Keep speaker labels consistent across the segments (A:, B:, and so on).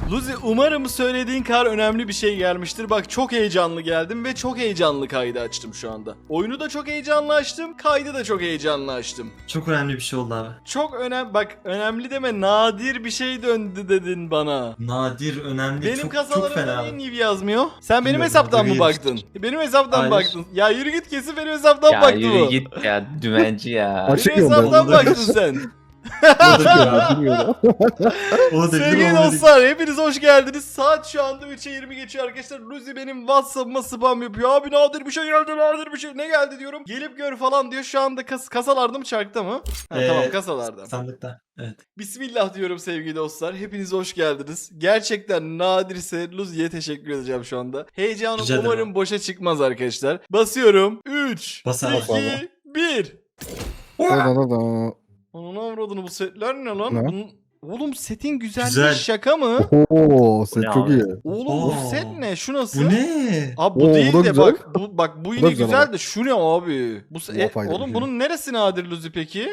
A: Luzi, umarım söylediğin kadar önemli bir şey gelmiştir. Bak, çok heyecanlı geldim ve çok heyecanlı kaydı açtım şu anda. Oyunu da çok heyecanlı açtım, kaydı da çok heyecanlı açtım.
B: Çok önemli bir şey oldu abi.
A: Çok bak önemli deme, nadir bir şey döndü dedin bana.
B: Nadir, önemli,
A: Benim
B: çok fena
A: kasalarımda niye
B: abi.
A: Niv yazmıyor? Sen benim
B: Bilmiyorum,
A: hesaptan mı
B: görüyoruz.
A: baktın? Benim hesaptan mı
B: Hayır.
A: baktın? Ya yürü git, kesin benim hesaptan
C: Ya
A: baktı
C: yürü
A: bu.
C: git ya dümenci ya.
A: Benim
D: Açık yolda.
A: hesaptan
B: Onu da
A: baktın
B: bil.
A: sen.
D: Bilmiyorum.
B: Onu da
A: Sevgili dostlar, hepiniz hoş geldiniz. Saat şu anda 3'e 20 geçiyor arkadaşlar. Luzi benim WhatsApp'ıma spam yapıyor. Abi nadir bir şey geldi, nadir bir şey. Ne geldi diyorum. Gelip gör falan diyor. Şu anda kasalarda mı, çarkta mı? Ha, tamam, kasalarda.
B: Sandıkta. Evet.
A: Bismillah diyorum sevgili dostlar. Hepiniz hoş geldiniz. Gerçekten nadirse Luzi'ye teşekkür edeceğim şu anda. Heyecanım
B: Rica ederim.
A: umarım boşa çıkmaz arkadaşlar. Basıyorum. 3,
B: Bas abi.
A: 2, 1.
D: Da.
A: Onun avradını, bu setler ne lan?
D: Ne?
A: Oğlum setin güzelliği
B: Güzel.
A: şaka mı?
D: Oo, set
C: Ne
D: çok
C: abi?
D: iyi.
A: Oğlum bu
B: Oo.
A: set ne? Şu nasıl?
B: Bu ne?
A: Abi bu
D: Oo,
A: değil
D: bu da
A: de
D: güzel.
A: bak bu
D: da
A: yine
D: güzel
A: güzel
D: ama.
A: de şu ne abi?
D: Apayrı bir
A: Oğlum
D: şey.
A: bunun neresi nadir Luzi peki?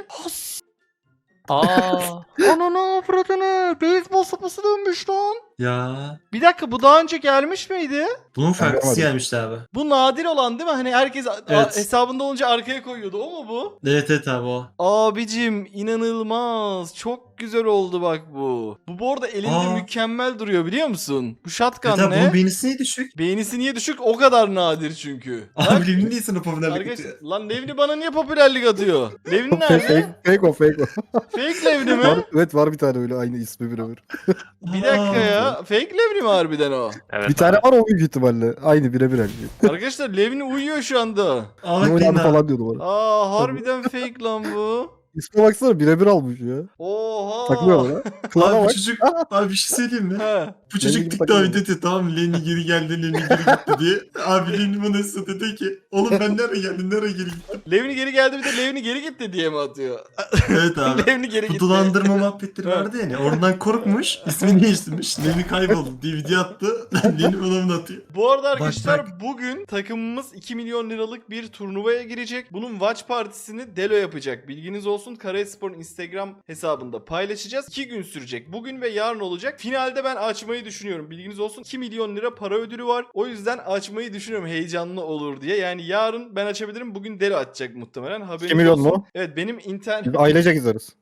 C: Aa.
A: Ananı avradını. Beyzbol sopası dönmüş lan.
B: Ya.
A: Bir dakika, bu daha önce gelmiş miydi?
B: Bunun farklısı
D: Anlamadım.
B: gelmişti abi.
A: Bu nadir olan değil mi? Hani herkes
B: Evet.
A: hesabında olunca arkaya koyuyordu. O mu bu?
B: Evet abi o.
A: Abicim inanılmaz. Çok güzel oldu bak bu. Bu arada elinde
B: Aa.
A: mükemmel duruyor, biliyor musun? Bu shotgun
B: Evet abi
A: ne?
B: bunun beğenisi niye düşük?
A: Beğenisi niye düşük? O kadar nadir çünkü. Bak,
B: Abi Levin niye sana popülerlik
A: arkadaşlar,
B: atıyor?
A: lan Levni bana niye popülerlik atıyor? Levni
D: Fake,
A: nerede?
D: fake o.
A: Fake Levni
D: Var,
A: mi?
D: evet var bir tane öyle aynı ismi birebir.
A: Bir dakika ya. Fake Levni mi harbiden o?
C: Evet
D: Bir tane
C: abi.
D: var o büyük ihtimalle. Aynı birebir aynı.
A: Arkadaşlar Levni uyuyor şu anda.
B: Aa
D: Ne
B: bak
D: oynadı
B: Lina.
D: falan diyordu bana.
A: Aa, harbiden fake lan bu.
D: İsme baksana birebir almış ya.
A: Oha.
D: Takılıyor bana. Klana
B: Abi bu
D: bak.
B: çocuk, abi bir şey söyleyeyim mi?
A: He.
B: Bu çocuk
D: gibi
B: TikTok'a
D: takılıyor.
B: dedi tamam Lenny geri geldi, Lenny geri gitti diye. Abi Lenny bana nasıl dedi ki oğlum ben nereye geldim, nereye geri gittim?
A: Levni geri geldi, bir de Levni geri gitti diye mi atıyor?
B: Evet abi.
A: Levni geri
B: Bu
A: gitti.
B: dolandırma muhabbetleri
A: Evet.
B: vardı yani. Oradan korkmuş. İsmini değiştirmiş. Lenny kayboldu diye video attı. Lenny bana bunu atıyor.
A: Bu arada arkadaşlar
B: bak.
A: bugün takımımız 2 milyon liralık bir turnuvaya girecek. Bunun watch partisini Delo yapacak. Bilginiz olsun, Karayaspor'un Instagram hesabında paylaşacağız. 2 gün sürecek. Bugün ve yarın olacak. Finalde ben açmayı düşünüyorum. Bilginiz olsun, 2 milyon lira para ödülü var. O yüzden açmayı düşünüyorum, heyecanlı olur diye. Yani yarın ben açabilirim. Bugün Delo açacak muhtemelen. Haberiniz
D: 2 milyon
A: olsun.
D: mu?
A: Evet, benim internet...
D: Biz ailecek izleriz.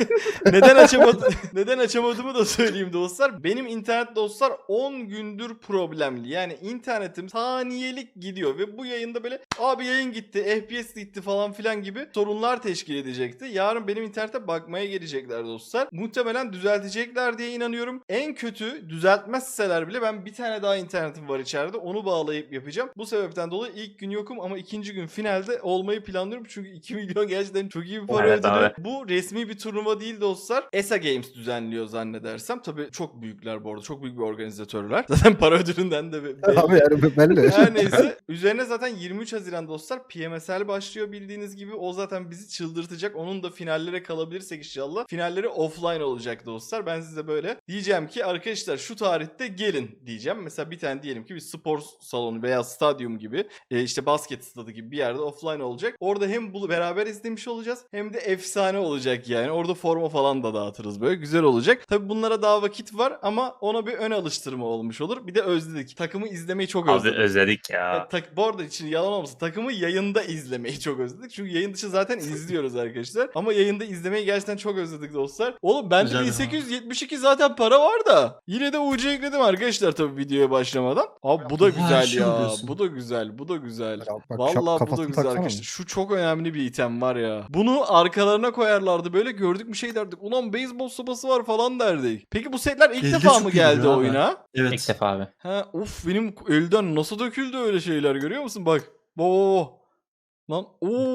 A: Neden açamadığımı da söyleyeyim dostlar. Benim internet dostlar 10 gündür problemli. Yani internetim saniyelik gidiyor ve bu yayında böyle abi yayın gitti, FPS gitti falan filan gibi sorunlar teşkil edecekti. Yarın benim internete bakmaya gelecekler dostlar. Muhtemelen düzeltecekler diye inanıyorum. En kötü düzeltmezseler bile ben bir tane daha internetim var içeride. Onu bağlayıp yapacağım. Bu sebepten dolayı ilk gün yokum ama ikinci gün finalde olmayı planlıyorum. Çünkü 2 milyon gerçekten çok iyi bir para
C: Evet
A: ödülü.
C: abi.
A: Bu resmi bir turnuva değil dostlar. ESA Games düzenliyor zannedersem. Tabii çok büyükler bu arada. Çok büyük bir organizatörler. Zaten para ödülünden de belli.
D: Abi yani belli.
A: Her neyse. Üzerine zaten 23 Haziran dostlar PMSL başlıyor bildiğiniz gibi. O zaten bizi çıldırtacak. Onun da finallere kalabilirsek inşallah. Finalleri offline olacak dostlar. Ben size böyle diyeceğim ki arkadaşlar şu tarihte gelin diyeceğim. Mesela bir tane diyelim ki bir spor salonu veya stadyum gibi işte basket stadı gibi bir yerde offline olacak. Orada hem bunu beraber izlemiş olacağız hem de efsane olacak yani. Orada forma falan da dağıtırız böyle. Güzel olacak. Tabi bunlara daha vakit var ama ona bir ön alıştırma olmuş olur. Bir de özledik. Takımı izlemeyi çok
C: Abi
A: özledik.
C: özledik ya.
A: Bu arada için yalan olmasın, takımı yayında izlemeyi çok özledik. Çünkü yayın dışı zaten izliyoruz arkadaşlar. Ama yayında izlemeyi gerçekten çok özledik dostlar. Oğlum bende
B: Güzel
A: 1872 zaten para var da. Yine de UC ekledim arkadaşlar tabii videoya başlamadan. Abi bu da
B: Oha,
A: güzel
B: şey
A: ya.
B: oluyorsun.
A: Bu da güzel. Bu da güzel.
D: Ya bak,
A: Vallahi bu da
D: kafasını
A: güzel
D: taksana
A: arkadaşlar. Şu çok önemli bir item var ya. Bunu arkalarına koyarlardı böyle, gördük bir şey derdik. Ulan beyzbol sopası var falan derdik. Peki bu setler ilk
B: Elde
A: defa
B: çok
A: mı
B: iyi
A: geldi
B: duruyor abi.
A: oyuna?
B: Evet.
C: İlk defa abi.
A: Ha, of benim elden nasıl döküldü öyle şeyler, görüyor musun? Bak. Oo. Lan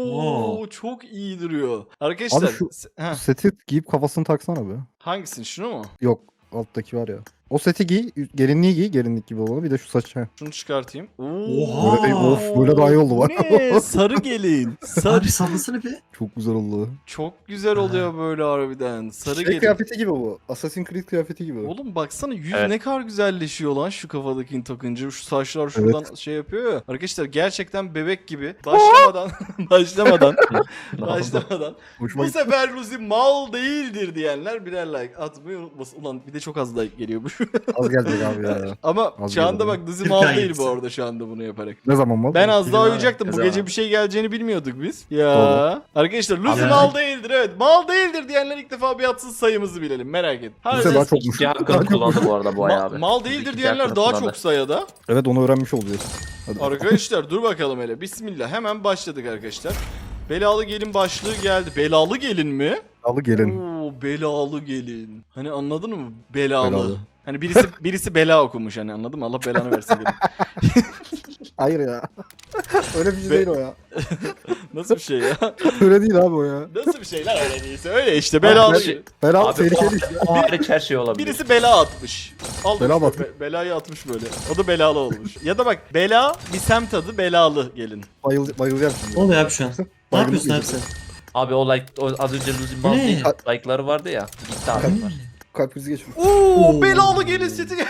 B: Oo.
A: çok iyi duruyor. Arkadaşlar
D: Abi şu-
A: ha,
D: Seti giyip kafasını taksana be.
A: hangisini, şunu mu?
D: Yok alttaki var ya. O seti giy, gelinliği giy, gelinlik gibi olanı. Bir de şu saçı.
A: Şunu çıkartayım.
B: Oha.
D: Böyle, of, böyle daha iyi oldu bak.
A: Bu ne? Sarı gelin. Sarı.
B: Abi sallasana bir.
D: Çok güzel oldu.
A: Çok güzel oluyor böyle harbiden. Sarı
D: Şey
A: gelin.
D: kıyafeti gibi bu. Assassin's Creed kıyafeti gibi.
A: Oğlum baksana yüz
C: Evet.
A: ne kadar güzelleşiyor lan şu kafadakini takınca. Şu saçlar şuradan şey yapıyor ya. Arkadaşlar gerçekten bebek gibi. Başlamadan.
D: Hoşuma
A: Bu
D: gitti.
A: sefer Luzi mal değildir diyenler birer like atmayı unutmasın. Ulan bir de çok az like geliyormuş.
D: Az gelecek abi ya.
A: Ama
D: Az
A: şu anda
D: geldi.
A: bak Luzi
B: Bir
A: mal
B: tane
A: değil bu
B: gitsin.
A: arada şu anda bunu yaparak.
D: Ne zaman mal?
A: Ben az daha
B: Bilmiyorum.
A: uyuyacaktım. Bu
C: Ne zaman?
A: gece bir şey geleceğini bilmiyorduk biz. Ya.
D: Doğru.
A: Arkadaşlar Luzi
B: Abi-
A: mal değildir evet. Mal değildir diyenler ilk defa bir atsın sayımızı bilelim. Merak et.
D: Luzi daha çokmuş.
C: İkinci hakkını kullandı bu arada bu ay abi.
A: Mal değildir
C: İkinci
A: diyenler
C: hakkını
A: daha
C: kullandı.
A: çok sayada.
D: Evet onu öğrenmiş oluyoruz. Hadi.
A: Arkadaşlar dur bakalım hele. Bismillah. Hemen başladık arkadaşlar. Belalı gelin başlığı geldi. Belalı gelin mi?
D: Alı gelin.
A: Oo, belalı gelin. Hani anladın mı? Belalı.
D: Belalı.
A: Hani birisi bela okumuş hani anladın mı? Allah belanı versin gelin.
D: Hayır ya. Öyle bir şey
A: Be-
D: değil o ya.
A: Nasıl bir şey ya?
D: Öyle değil abi o ya.
A: Nasıl bir şeyler öyle değilse öyle işte belalı.
D: Ben-
A: gelin.
D: Bela
C: Abi
D: tehlikeli iş.
C: o hariç her şey olabilir.
A: Birisi bela atmış. Almış
D: Bela mı
A: böyle,
D: atmış?
A: belayı atmış böyle. O da belalı olmuş. Ya da bak bela bir semt adı belalı gelin.
D: Bayılacağım
B: Ne
D: şimdi.
B: oluyor abi şu an? Ne
D: Baygınlık
B: yapıyorsun abi sen?
C: Abi o like o az önce Luzi
B: Bu ne?
C: Maldi like'ları vardı ya. Gitti adamlar.
D: Kalp krizi geçmiş.
A: Oo, belalı gelin seti gel.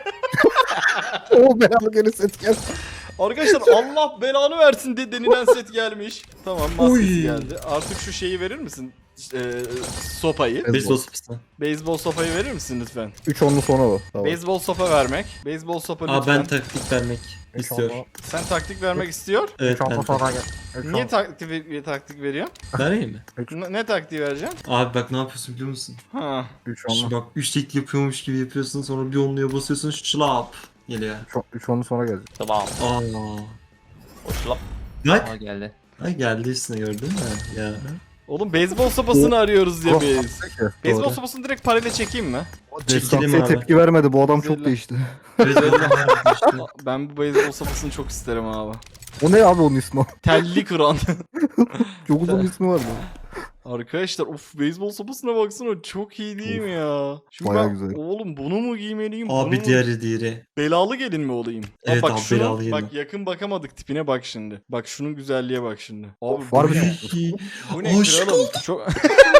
D: Oo belalı gelin set gel.
A: Arkadaşlar Allah belanı versin de denilen set gelmiş. Tamam maskesi
B: Oy.
A: geldi. Artık şu şeyi verir misin? Sopayı.
B: Beyzbol sopası.
A: Beyzbol sopayı verir misin lütfen?
D: 3 onlu sonra o. Tamam.
A: Beyzbol sopa vermek. Beyzbol sopa lütfen.
B: Aa ben taktik vermek istiyor.
A: Sen taktik vermek istiyor.
B: Evet ben taktik.
A: Niye taktik veriyorsun?
B: Vereyim mi?
A: Ne taktiği vereceksin?
B: Abi bak ne yapıyorsun biliyor musun?
A: Ha.
D: 3
B: Şimdi
D: onlu.
B: bak üçlük yapıyormuş gibi yapıyorsun sonra bir onluya basıyorsun şlap geliyor.
D: 3 onlu sonra gelecek.
C: Tamam.
B: Aa.
C: O şlap.
B: Bak.
C: Aa geldi.
B: Ay geldi üstüne gördün mü? Ya.
A: Oğlum beyzbol sopasını arıyoruz ya
D: Oh,
A: biz.
D: peki,
A: Beyzbol
D: doğru.
A: sopasını direkt parayla çekeyim mi?
B: Çekelim
D: Destansiye
B: abi.
D: tepki vermedi. Bu adam çok
A: Güzel.
D: değişti.
B: Beyzbol harbi işte.
A: Ben bu beyzbol sopasını çok isterim abi.
D: O ne abi onun ismi?
A: Telli kıran.
D: Çok uzun ismi var.
A: Arkadaşlar of beyzbol sopasına baksana çok iyi değil mi ya? Şimdi
D: Bayağı
A: ben,
D: güzel.
A: oğlum bunu mu giymeliyim? bunu
B: Abi
A: mu?
B: diğeri.
A: Belalı gelin mi olayım?
B: Evet
A: bak
B: abi,
A: şunu,
B: belalı gelin.
A: bak yakın bakamadık tipine bak şimdi. Bak şunun güzelliğe bak şimdi. Abi
D: Var
A: bu
D: bir
A: ne?
D: şey.
A: Bu ne
B: Aşık
A: kralım? Çok...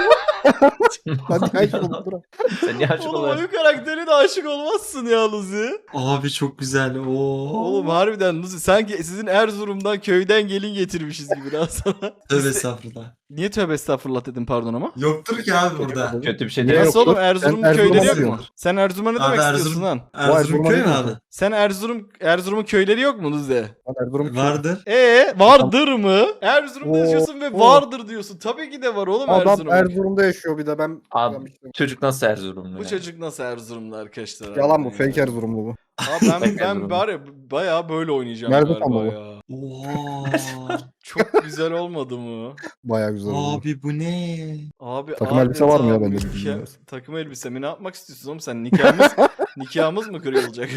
D: Hadi kaç oldu dur.
C: Sen niye aşık
A: Oğlum
C: oluyorsun?
A: oyun karakterine aşık olmazsın ya Luzi.
B: Abi çok güzel. Oo.
A: Oğlum harbiden Luzi sanki sizin Erzurum'dan köyden gelin getirmişiz gibi daha sana.
B: Tövbe estağfurullah.
A: Niye tövbe estağfurullah dedim pardon ama?
B: Yoktur ki abi burada.
C: Kötü bir şey
D: Niye
C: değil.
A: Nasıl
D: yoktur?
A: oğlum Erzurum'un
D: Sen Erzurum'a
A: köyleri yok mu?
D: diyorsun.
A: Sen Erzurum'a ne
B: Abi
A: demek
B: Erzurum-
A: istiyorsun lan?
B: Erzurum
D: Erzurum'a
B: köy mü
D: değil
B: abi?
D: mi?
A: Sen Erzurum'un köyleri yok mu Luzi?
D: Lan Erzurum
B: Vardır.
A: Vardır mı? Erzurum'da
D: Oo,
A: yaşıyorsun ve
D: oo.
A: vardır diyorsun. Tabii ki de var oğlum
D: Adam
A: Erzurum'da.
D: Erzurum'da yaşıyor bir de ben.
C: Abi
D: Ben-
C: çocuk nasıl Erzurumlu
A: Bu
C: ya?
A: çocuk nasıl Erzurum'da arkadaşlar?
D: Yalan bu
A: harbiden
D: fake
A: ya.
D: Erzurumlu bu.
A: Abi ben
C: Erzurumlu.
A: bari bayağı böyle oynayacağım
D: Nerede
A: galiba
D: tam
A: ya.
B: Oha.
A: Çok güzel olmadı mı?
D: Baya güzel oldu.
B: Abi bu ne?
A: Abi
D: Takım elbise var mı ya
A: adeta
D: bende bir
A: mükemmel-
D: bilmiyorum.
A: Takım elbise mi? Ne yapmak istiyorsun oğlum sen? Nikahımız mı kırılacak?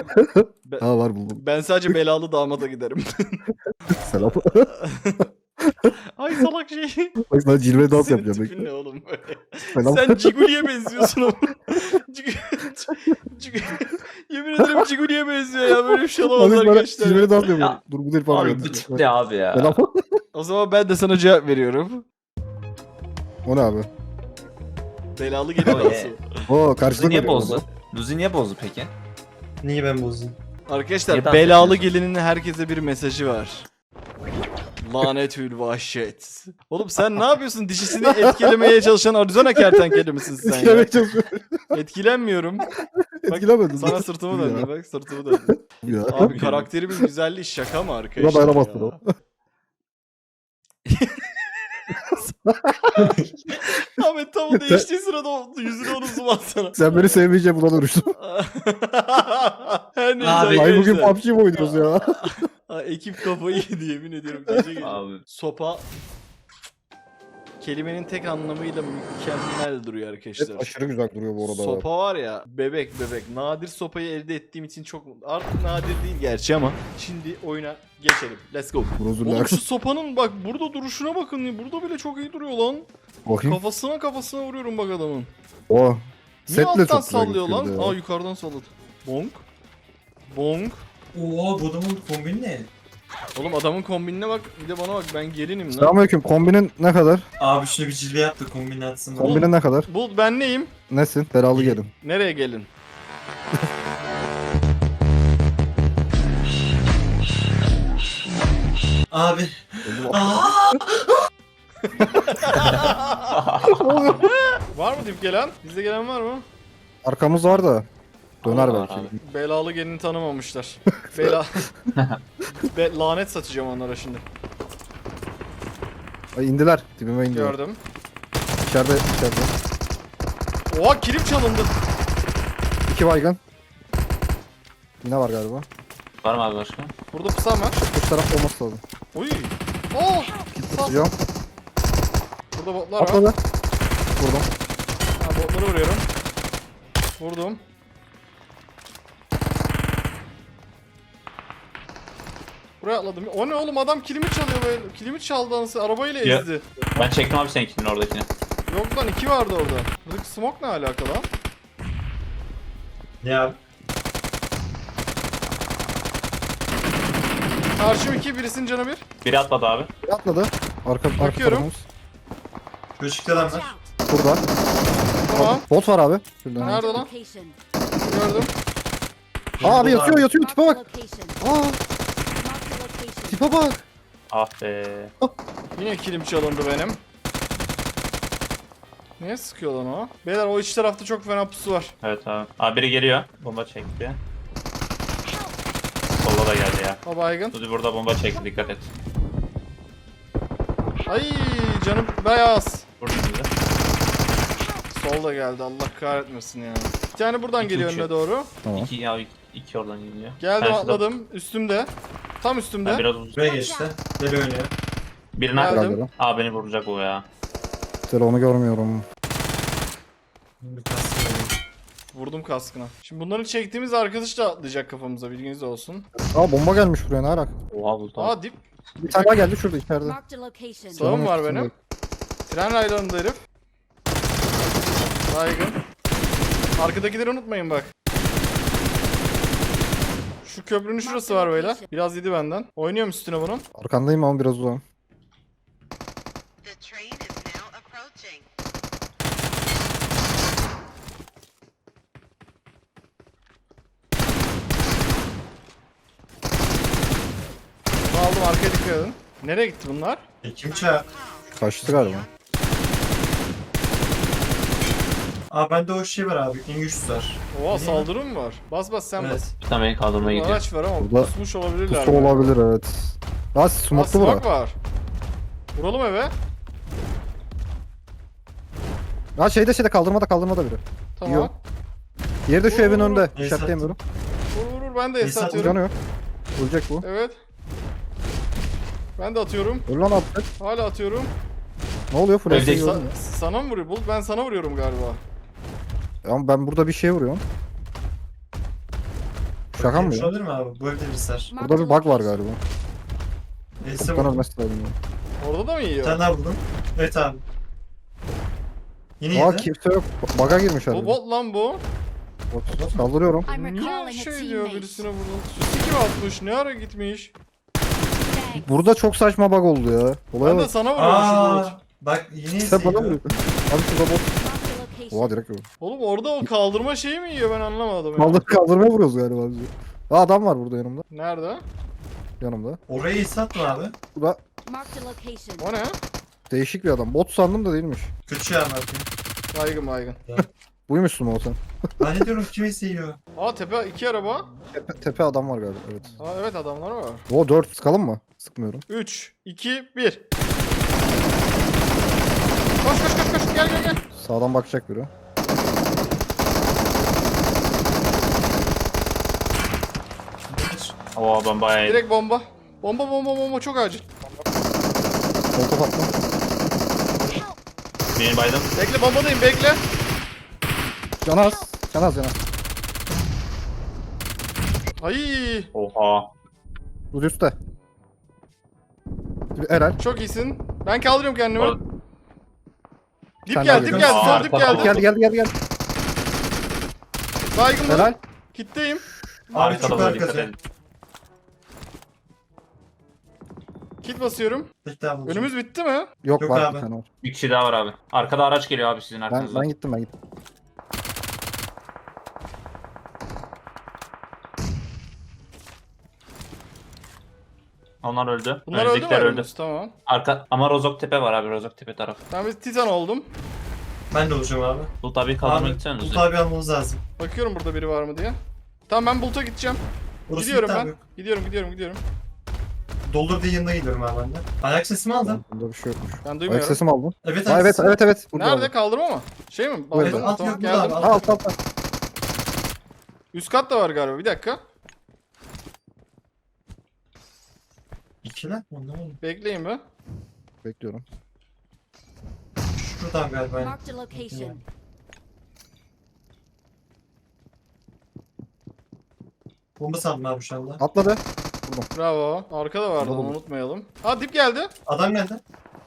D: Ha var buldum.
A: Ben sadece belalı damada giderim.
D: Selam.
A: Ay salak şey.
D: Bak sana cilve dans
A: Senin
D: yapacağım.
A: tipin ne oğlum böyle?
D: Selam.
A: Sen Ciguli'ye benziyorsun ama. Yemin ederim Ciguli'ye benziyor ya. Böyle bir şey olamaz
D: Abi bana
A: arkadaşlar.
D: cilve dans yapıyor.
C: Ya,
D: Dur bu değil falan.
C: Abi bu tip ne abi ya?
D: Selam.
A: O zaman ben de sana cevap veriyorum.
D: O ne abi?
A: Belalı gelin
C: Oh
A: dansı.
D: Oo
C: Luzi
D: karşılık
C: niye
D: veriyor
C: bozdu?
D: orada.
C: Luzi niye bozdu peki?
B: Niye ben bozdum?
A: Arkadaşlar
C: Niye dans
A: belalı
C: ediyorsun?
A: gelinin herkese bir mesajı var. Lanetül vahşet. Oğlum sen ne yapıyorsun? Dişisini etkilemeye çalışan Arizona kertenkele misin sen ya?
D: Etkilemeye çalışıyorum.
A: Etkilenmiyorum.
D: Etkilemedim.
A: Sana sırtımı
D: Ya.
A: döndü bak sırtımı döndü.
D: Ya.
A: Abi karakterimin güzelliği şaka mı
D: Buna
A: arkadaşlar
D: dayanamazsın
A: ya?
D: o.
A: Ahmet tam o değiştiği sırada yüzüne onu zoom atsana.
D: Sen beni sevmeyeceğim buna dönüştüm.
A: Her neyse
B: Abi,
D: Ay bugün
A: arkadaşlar.
D: PUBG mi oynuyoruz ya?
A: Ekip kafayı yedi yemin ediyorum. Gece gece.
C: Abi.
A: Sopa kelimenin tek anlamıyla mükemmel duruyor arkadaşlar.
D: Evet, aşırı güzel duruyor bu arada.
A: Sopa var ya bebek. Nadir sopayı elde ettiğim için çok mutlu. Artık nadir değil gerçi ama. Şimdi oyuna geçelim. Let's go.
D: Brozurlar.
A: Oğlum şu sopanın bak burada duruşuna bakın. Burada bile çok iyi duruyor lan.
D: Bakayım.
A: Kafasına vuruyorum bak adamın.
D: O.
A: Niye
D: Setle
A: alttan
D: çok güzel
A: sallıyor lan?
D: gözüküyordu ya.
A: Aa yukarıdan salladı. Bonk. Bonk.
B: Oha bu adamın kombini ne?
A: Oğlum adamın kombinine bak. Bir de bana bak ben gelinim lan.
D: Selamünaleyküm. Kombinin ne kadar?
B: Abi şunu bir cilve yap da kombini atsın.
A: Oğlum.
D: Kombinin ne kadar?
A: Bu ben neyim?
D: Nesin? Belalı gelin.
A: Nereye gelin?
B: Abi.
A: Var mı dip gelen? Bizde gelen var mı?
D: Arkamız var da. Döner
C: Allah
D: belki.
C: abi.
A: Belalı gelini tanımamışlar. Lanet satacağım onlara şimdi.
D: Ay indiler. Dibime indiler.
A: Gördüm.
D: İçeride.
A: Oha kilim çalındı.
D: 2 baygın. Yine var galiba.
C: Var mı abi başka?
A: Burada pusam var.
D: Bu tarafta olması lazım.
A: Uy. Oh. Sağ.
D: Tutacağım.
A: Burada botlar var.
D: Atladı. Vurdum.
A: Ha, botları vuruyorum. Vurdum. Buraya atladım. O ne oğlum, adam kilimi çalıyor böyle. Kilimi çaldı anası, arabayla
C: Ya.
A: ezdi.
C: Ben çektim abi seninkinin oradakini.
A: Yok lan, 2 vardı orada. Buradaki smoke ne alaka lan?
B: Ne abi?
A: Karşım 2, birisinin canı 1.
C: Biri atladı abi.
D: Atladı. Arka
A: Bakıyorum.
D: tarafımız.
B: Şu çıktı adam var.
D: Burada.
A: Tamam.
D: Bot var abi. Şurada.
A: Nerede lan?
E: Location.
A: Gördüm.
D: Aa abi yatıyor tipe bak.
E: Location.
D: Aa
E: Mark the location.
D: tipe bak.
C: Ah be.
A: Yine kilim çalındı benim. Niye sıkıyor lan o? Beyler o iç tarafta çok fena pusu var.
C: Evet abi. Abi biri geliyor. Bomba çekti. Solda da geldi ya.
A: O baygın.
C: Dudu burada bomba çekti, dikkat et.
A: Ay canım bayağı az.
C: Vur şimdi.
A: Sol da geldi, Allah kahretmesin ya. Bir tane buradan
C: İki
A: geliyor
C: uçuyor.
A: önüne doğru.
D: Tamam.
C: İki oradan geliyor.
A: Geldim,
C: Karşıda-
A: atladım. Üstümde. Tam üstümde.
C: Ha, biraz uzun.
B: Buraya geçti. Deli oynuyor.
C: Birini
A: Geldim.
C: atladı.
D: Galiba.
C: Aa beni vuracak o ya.
D: Güzel onu görmüyorum.
B: Bir kastım oynuyor.
A: Vurdum kaskına. Şimdi bunları çektiğimiz arkadaş da atlayacak kafamıza, bilginiz olsun.
D: Aa bomba gelmiş buraya ne alaka?
C: Oha bu tam.
A: Aa dip.
D: Bir tane daha geldi şurada içeride.
E: Mark the location.
A: Sağım var
D: üstünde.
A: benim. Tren raylarında herif. Baygın. Arkadakileri unutmayın bak. Şu köprünün şurası var beyler. Biraz yedi benden. Oynuyorum üstüne bunun.
D: Arkandayım ama biraz uzağım.
F: The train is now approaching.
A: Bunu aldım, arkaya dikkat edin. Nereye gitti bunlar?
B: Kim çağır?
D: Kaçtı galiba.
B: Aa bende o şey var abi. İngiliz var.
A: Oha, saldırı mı var? Bas bas sen
B: Evet.
A: bas.
C: Bir tane beni kaldırmaya
A: Burada
C: gidiyor.
A: araç var ama
D: Burada
A: pusmuş olabilirler.
D: Pusu
A: mi?
D: olabilir evet. Aa
A: Aa,
D: smoklu
A: smoke
D: bura.
A: var. Vuralım eve.
D: Aa şeyde kaldırmada biri.
A: Tamam.
D: Yok. Diğeri de şu evin önünde.
B: Esat.
D: İşaretleyemiyorum.
A: Vur ben de
B: Esat
A: atıyorum.
D: Canı yok. Ölecek bu.
A: Evet. Ben de atıyorum.
D: Öl lan attık.
A: Hala atıyorum.
D: Ne oluyor full
C: Evdeki-
D: SC gördün mü?
A: Sana mı vuruyor? Bulut, ben sana vuruyorum galiba.
D: Ama ben burada bir şey vuruyorum. Şaka mı
B: Şu
D: ya?
B: olabilir mi abi? Bu evde birisi var.
E: Mark
D: Burada
E: the
D: bir bug var
E: location.
D: galiba.
B: Neyse
D: Çoktan
B: bu.
D: ölmesi lazım. ya.
A: Orada da mı
B: Bir
A: yiyor?
B: tane daha buldum. Evet abi. Yine
D: Aa
B: yedi.
D: kimse yok. Bug'a girmiş
A: Bu
D: herhalde.
A: bot lan bu.
D: Bot. Kaldırıyorum.
E: I'm
A: Niye
E: recalling a
A: şey diyor
E: teammate.
A: birisine vurdun? Süsü kim atmış? Ne ara gitmiş?
E: Thanks.
D: Burada çok saçma bug oldu ya. Olaya
A: Ben de
D: bak.
A: sana vuruyormuşum Bulut.
B: Aa bak yine
D: Sen
B: izliyor.
D: bana vuruyor. Abi şurada bot.
E: Mark the location.
D: Oha direkt vurdu.
A: Oğlum orada o kaldırma şeyi mi yiyor, ben anlamadım ya.
D: Kaldırmaya vuruyoruz galiba bizi. Aa adam var burada yanımda.
A: Nerede?
D: Yanımda.
B: Orayı satma abi.
D: Bu da
E: Mark the location.
A: O ne?
D: değişik bir adam. Bot sandım da değilmiş.
B: Kötü ya abi.
A: Baygın baygın.
D: Buymuşsun o sen.
B: Ben ne diyorum kim izliyor?
A: Aa tepe 2 araba.
D: Tepe adam var galiba evet.
A: Aa evet, adamlar var.
D: O 4 sıkalım mı? Sıkmıyorum.
A: 3, 2, 1. Koş koş koş koş, gel gel gel.
D: Sağdan bakacak biri.
C: Oo ben bayağı iyi.
A: Direkt bomba. Bomba çok acil.
D: Sol top attım.
C: Benim baydım.
A: Bekle, bombadayım, bekle.
D: Canaz. Canaz.
A: Ay
C: Oha.
D: Bu üstte. Helal.
A: çok iyisin. Ben kaldırıyorum kendimi.
C: Orada-
A: Dip
D: Sen
A: geldi,
D: daha
A: dip
D: yakın.
A: geldi,
C: Aa,
A: sol dip
C: tamam.
A: geldi.
D: Geldi.
A: Baygın mı?
D: Helal.
A: Kitleyim.
B: Abi
C: Arkada
B: çok
C: da dikkat
B: arkası.
C: edin.
A: Kit basıyorum.
B: Bir daha bulacağım.
A: Önümüz bitti mi?
D: Yok,
B: Yok
D: var
B: abi.
D: bir tane var.
C: Bir kişi daha var abi. Arkada araç geliyor abi sizin arkanızdan.
D: Ben gittim.
C: Onlar öldü.
A: Bunlar öldü mü?
C: Önümüzdekiler öldü.
A: Tamam.
C: Arka ama Rozok Tepe var abi, Rozok Tepe tarafı.
A: Ben bir titan oldum.
B: Ben de olacağım abi.
C: Bu tabii kaldırmak
B: Abi
C: gitseniz.
B: bu abi almamız lazım.
A: Bakıyorum burada biri var mı diye. Tamam ben Bulut'a gideceğim.
B: Burası
A: Gidiyorum
B: bitti
A: ben.
B: abi.
A: Gidiyorum.
B: Doldur diye yanına gidiyorum abi ben de. Ayak sesimi aldın.
D: Bunda bir şey yokmuş.
A: Ben
D: Ayak
A: duymuyorum.
D: sesimi aldın.
B: Evet
D: Ha, evet. Burada
A: Nerede
D: abi.
A: kaldırma mı? Şey mi?
D: Evet,
A: Aldın mı?
B: alt
A: Tamam
B: yok burada
A: geldim.
B: abi.
D: Ha, altta.
A: Üst kat da var galiba. Bir dakika.
B: İkiler mi? Anlamadım.
A: Bekleyin be.
D: Bekliyorum.
B: Şuradan galiba.
E: Marked a location.
B: Bomba sandım abi şu anda.
D: Atladı.
A: Bravo. Arkada vardı onu
D: Oğlum.
A: unutmayalım. Ha dip geldi.
B: Adam geldi.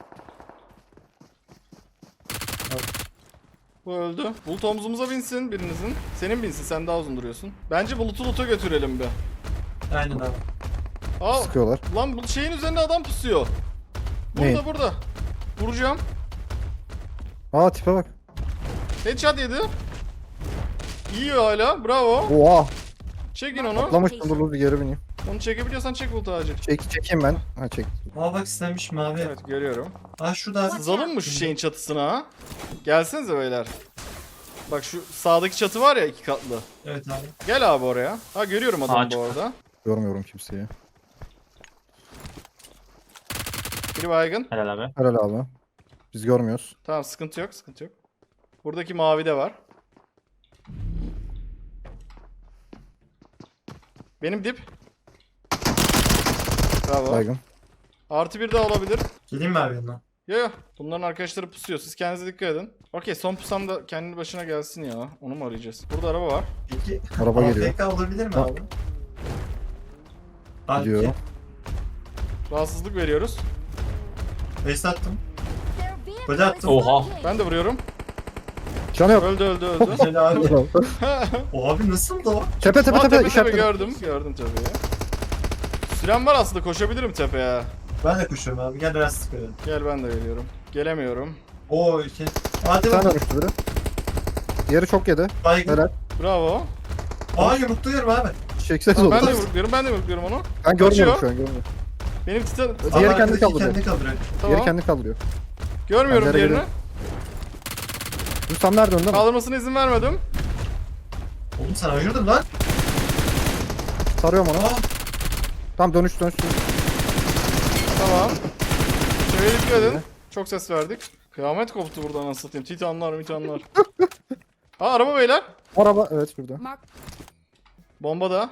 A: Bu öldü. Bulut omzumuza binsin birinizin. Senin binsin sen daha uzun duruyorsun. Bence Bulut'u loot'a götürelim bir.
B: Aynen abi.
A: Aa
D: Sıkıyorlar.
A: lan bu şeyin üzerinde adam pusuyor. Burada
D: Neyin?
A: burada. Vuracağım.
D: Aa tipe bak.
A: Headshot yedi. İyi hala. Bravo.
D: Oha.
A: Çekin onu.
D: Atlamıştım, dur bir geri bineyim.
A: Onu çekebiliyorsan çek Bulut acil.
D: Çekeyim ben. Ha çek.
B: Aa bak istenmiş mavi.
A: Evet görüyorum.
B: Aa şurada abi.
A: Sızalım mı şu şeyin çatısına ha? Gelsenize beyler. Bak şu sağdaki çatı var ya 2 katlı.
B: Evet abi.
A: Gel abi oraya. Ha görüyorum adamı
C: Ağaç.
A: bu arada.
D: Görmüyorum kimseyi.
A: Biri baygın.
C: Helal abi.
D: Helal abi. Biz görmüyoruz.
A: Tamam sıkıntı yok sıkıntı yok. Buradaki mavi de var. Benim dip. Bravo.
D: Baygın.
A: Artı bir daha olabilir.
B: Geleyim mi abi yanına?
A: Yo. Bunların arkadaşları pusuyor. Siz kendinize dikkat edin. Okey son pusam da kendi başına gelsin ya. Onu mu arayacağız? Burada araba var.
B: Peki.
D: Araba geliyor.
B: AFK olabilir mi
D: Ha.
B: abi? Abi.
D: Gidiyorum.
A: Rahatsızlık veriyoruz.
B: Base attım.
E: Their vehicle
B: Böyle attım.
E: is
C: Oha.
E: located.
A: Ben de vuruyorum.
D: Canı yok.
A: Öldü.
B: Güzel abi. O abi nasıl da o?
D: Tepe
A: Tepe
D: işaretledim.
A: gördüm. Gördüm tepeyi. Sürem var aslında koşabilirim tepeye.
B: Ben de koşuyorum abi. Gel biraz sıkıyorum.
A: Gel ben de geliyorum. Gelemiyorum.
B: Oo iki. Hadi
D: Bir tane
B: bak.
D: dönüştü biri. Diğeri çok yedi.
B: Baygın.
D: Helal.
A: Bravo.
B: Aa yumrukluyorum abi.
D: Çekseniz
A: Tamam,
D: olur.
A: ben de vurguluyorum onu.
D: Ben görmüyorum
A: Kaçıyor.
D: şu an, görmüyorum.
A: Benim titan...
D: Diğeri
B: Ama
D: kendi
B: arkadaki
D: kaldırıyor.
B: Kendi kaldırıyor.
A: Tamam.
D: Diğeri kendi kaldırıyor.
A: Görmüyorum
D: Ben nereye
A: diğerini.
D: Bu tam nerede önde mi?
A: Kaldırmasına izin vermedim.
B: Oğlum sen ayırdın lan.
D: Sarıyorum onu.
B: Aa.
D: Tam dönüş.
A: Tamam. Çevreye dikkat edin. Çok ses verdik. Kıyamet koptu buradan anasını satayım. Titanlar. Aa araba beyler.
D: Araba evet şurada.
E: Mark
A: Bomba da.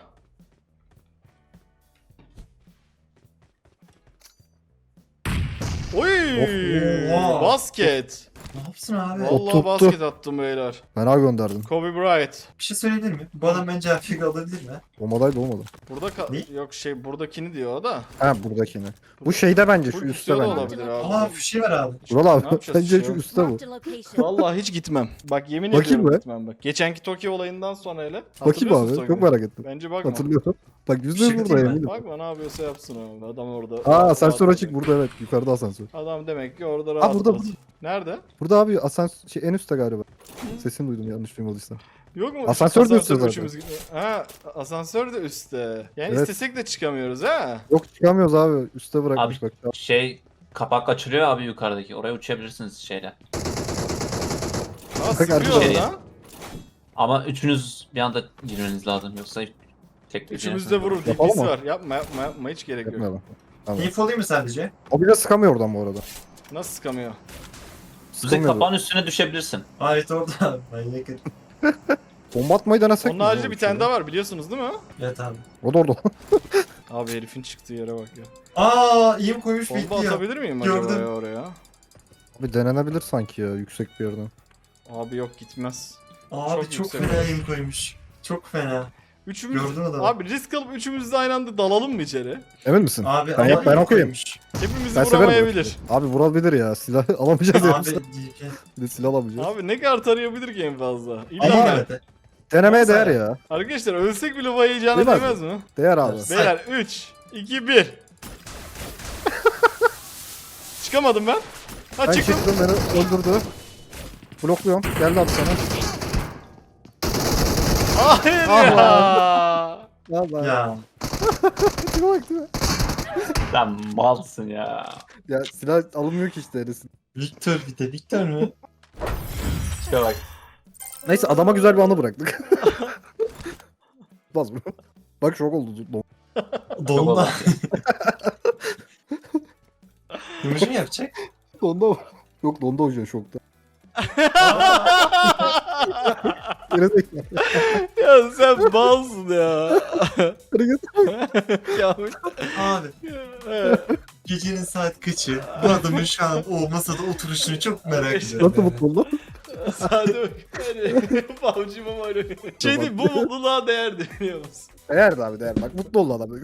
A: Oy!
B: Oha.
A: Basket.
B: Ne yapsın abi?
D: O
A: Vallahi
D: tuttu.
A: basket attım beyler.
D: Fena gönderdim.
A: Kobe Bryant.
B: Bir şey söyleyebilir mi? Bu adam bence AFK alabilir mi?
D: Bombadaydı olmadı.
A: Burada
B: Ne?
A: yok şey buradakini diyor o da.
D: Ha buradakini. Bu şeyde bence şu
A: Bu
D: üstte
A: üstte de
D: bence.
A: olabilir
B: Aa
A: abi.
B: bir şey var abi.
D: Vural
A: Ne
D: abi
A: yapacağız
D: bence
A: işte
D: şu
A: ya?
D: üstte bu.
E: marked a location.
A: Vallahi hiç gitmem. Bak yemin
D: Bakayım
A: ediyorum
D: be.
A: gitmem bak. Geçenki Tokyo olayından sonra hele.
D: Bakayım
A: Hatırlıyorsun
D: abi
A: Tokyo'yu?
D: çok merak ettim.
A: Bence bakma.
D: Hatırlıyorum. Bak
B: Bir
D: yüzde
B: şey
D: burada
B: diyeyim mi?
D: eminim.
A: Bakma ne yapıyorsa yapsın abi. Adam orada.
D: Aa asansör
A: rahat-
D: açık burada evet yukarıda asansör.
A: Adam demek ki orada rahat.
D: burada,
A: rahat.
D: burada.
A: Nerede?
D: Burada abi asansör en üstte galiba. Sesini duydum yanlış duymadıysam.
A: Yok mu?
D: Asansör de üstte zaten.
A: üçümüz gidiyor. Ha asansör de üstte. Yani
D: Evet.
A: istesek de çıkamıyoruz ha.
D: Yok çıkamıyoruz abi üstte bırakmış
C: Abi
D: bak.
C: şey kapak açılıyor abi yukarıdaki. Oraya uçabilirsiniz şeyle.
A: Aa
D: Bak,
A: sıkıyor
C: arkadaşlar.
A: orada.
C: Ama üçünüz bir anda girmeniz lazım. Yoksa tek bir
A: Üçümüz de vurur.
D: Yapalım
A: DP'si
D: mı?
A: var. Yapma hiç gerek yok.
D: Yapmayalım. Tamam.
B: Info olayım mı sadece?
D: O bile sıkamıyor oradan bu arada.
A: Nasıl sıkamıyor?
C: Kuzey
D: Sıkamıyor.
C: kapağın üstüne düşebilirsin.
B: Aa evet orada abi. Manyak herif.
D: Bomba atmayı denesek
A: Onun
D: mi?
A: haricinde bir tane daha var biliyorsunuz değil mi?
B: Evet abi.
D: O da orada.
A: Abi herifin çıktığı yere bak ya.
B: Aa iyi mi koymuş
A: Bomba
B: bekliyor.
A: atabilir miyim acaba
B: Gördüm.
A: ya oraya?
D: Abi denenebilir sanki ya yüksek bir yerden.
A: Abi yok gitmez.
B: Abi
A: Çok
B: çok
A: yüksek
B: fena
A: olmuş.
B: iyi mi koymuş. Çok fena.
A: Üçümüz...
B: Gördün adamı.
A: Abi risk alıp üçümüz de aynı anda dalalım mı içeri?
D: Emin misin?
B: Abi
D: Ben yap- ben
B: iyi
D: okuyayım.
B: koymuş.
A: Hepimizi
D: Ben severim
A: vuramayabilir.
D: Abi vurabilir ya silah alamayacağız ya.
B: Abi
D: Bir de silah alamayacağız.
A: Abi ne kadar tarayabilir ki en fazla? İlla
B: ama
A: ben-
B: evet.
D: Denemeye
B: Olsa
D: değer
B: ya.
D: ya.
A: Arkadaşlar ölsek bile bu heyecana
D: Değil mi?
A: değmez mi?
D: Değer abi.
B: Evet.
A: Beyler 3, 2, 1. Çıkamadım ben. Ha
D: Ben
A: çıktım.
D: çıktım beni öldürdü. Blokluyorum. Geldi abi sana.
A: Hayır
D: Ah
A: ya.
D: Vallahi.
B: Ya.
D: Tipe bak tipe.
C: Sen malsın ya.
D: Ya silah alınmıyor ki işte erisin.
B: Victor bir de Victor mu?
C: Tipe bak.
D: Neyse adama güzel bir anı bıraktık. Baz mı? Bak şok oldu.
B: Donda. Yumuşak mı yapacak?
D: Donda mı? Yok donda hoca şokta. Gerizekalı.
A: Ya sen balsın ya. Kamil.
B: Abi gecenin saat kaçı? Bu adamın şu an o masada oturuşunu çok merak ediyorum.
D: Nasıl mutlu oldu?
A: Sade bak. PUBG Mobile. Şey değil, bu mutluluğa değerdi biliyor musun?
D: Değerdi abi değer. Bak mutlu oldu adam.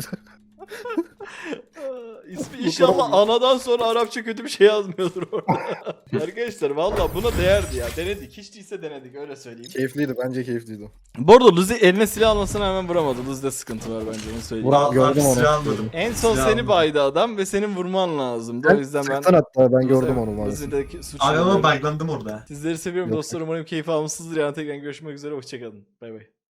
A: İsmi inşallah anadan sonra Arapça kötü bir şey yazmıyordur orada. Arkadaşlar valla buna değerdi ya. Denedik. Hiç değilse denedik öyle söyleyeyim.
D: Keyifliydi bence keyifliydi.
A: Bu arada Luzi eline silah almasına hemen vuramadı. Luzi'de sıkıntı var bence onu söyleyeyim.
D: Vural-
B: Abi
D: Gördüm onu.
B: silah almadım.
A: En son
B: Silah
A: seni
B: almadım.
A: baydı adam ve senin vurman lazımdı. O yüzden ben...
D: Sıktın hatta ben gördüm onu maalesef.
A: Luzi'deki suçlu.
B: Abi ama baylandım orada.
A: Sizleri seviyorum
D: Yok.
A: dostlar. Umarım keyif almışsınızdır. Yani tekrar görüşmek üzere. Hoşçakalın. Bay bay.